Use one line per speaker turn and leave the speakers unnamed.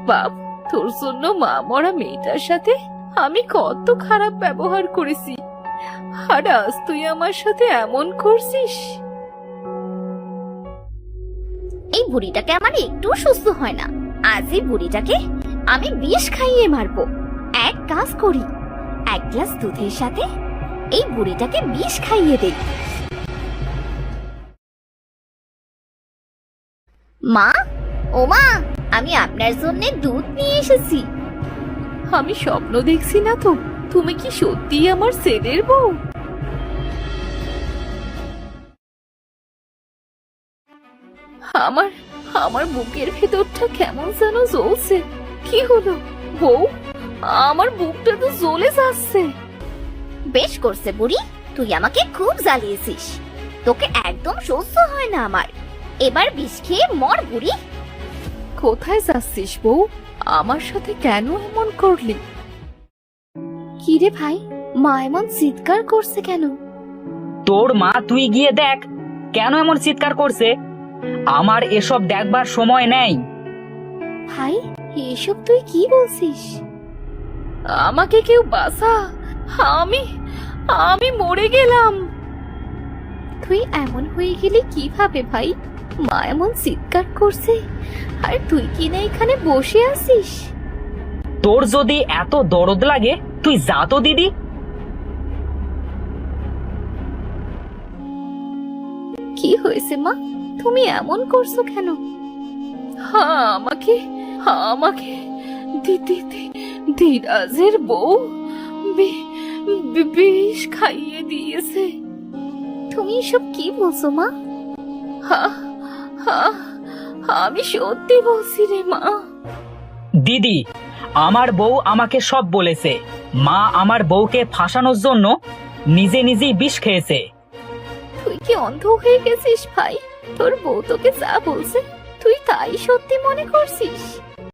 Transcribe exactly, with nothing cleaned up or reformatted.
বাপ, তোর জন্য মা মরা মেয়েটার সাথে আমি কত খারাপ ব্যবহার করেছি, আর আজ তুই আমার সাথে এমন করছিস।
এই বুড়িটাকে আমার একটু সুস্থ হয় না। আজ এই বুড়িটাকে আমি বিষ খাইয়ে মারবো। এক কাজ করি, এক গ্লাস দুধের সাথে এই বুড়িটাকে বিষ খাইয়ে দেই। মা, ও মা, আমি আপনার জন্য দুধ নিয়ে এসেছি।
আমি স্বপ্ন দেখছি না তো? তুমি কি সত্যি আমার ছেলের বউ? আমার আমার বুকের ভেতরটা কেমন যেন জ্বলছে। কি হলো বউ? আমার বুকটা তো জ্বলে যাচ্ছে।
বেশ করছে বুড়ি, তুই আমাকে খুব জ্বালিয়েছিস। তোকে একদম সহ্য হয় না আমার। এবার বিষ খেয়ে মর বুড়ি।
কোথায় যাচ্ছিস বউ? আমার সাথে কেন এমন করলি?
কি রে ভাই, মা এমন চিৎকার করছে কেন?
তোর মা, তুই গিয়ে দেখ কেন এমন চিৎকার করছে। আমার এসব দেখবার সময় নেই।
ভাই, এসব তুই কি বলছিস?
আমাকে কেউ বাঁচা, আমি আমি মরে গেলাম।
তুই এমন হয়ে গেলি কিভাবে ভাই? মা এমন চিৎকার করছে আর তুই কি না এখানে বসে আছিস?
তোর যদি এত দরদ লাগে তুই যা তো দিদি।
কি হয়েছে মা, তুমি এমন করছো কেন?
হ্যাঁ, আমাকে আমাকে দিদি ধীরাজের বউ বি- বি- বিষ খাইয়ে দিয়েছে।
তুমি এসব কি বলছো মা?
হ্যাঁ হ্যাঁ, আমি সত্যি বলছি রে মা।
দিদি, আমার বউ আমাকে সব বলেছে। মা আমার বউকে ফাঁসানোর জন্য নিজে নিজেই বিষ খেয়েছে।
তুই কি অন্ধ হয়ে গেছিস ভাই? তোর বউ তোকে যা বলছে তুই তাই সত্যি মনে করছিস?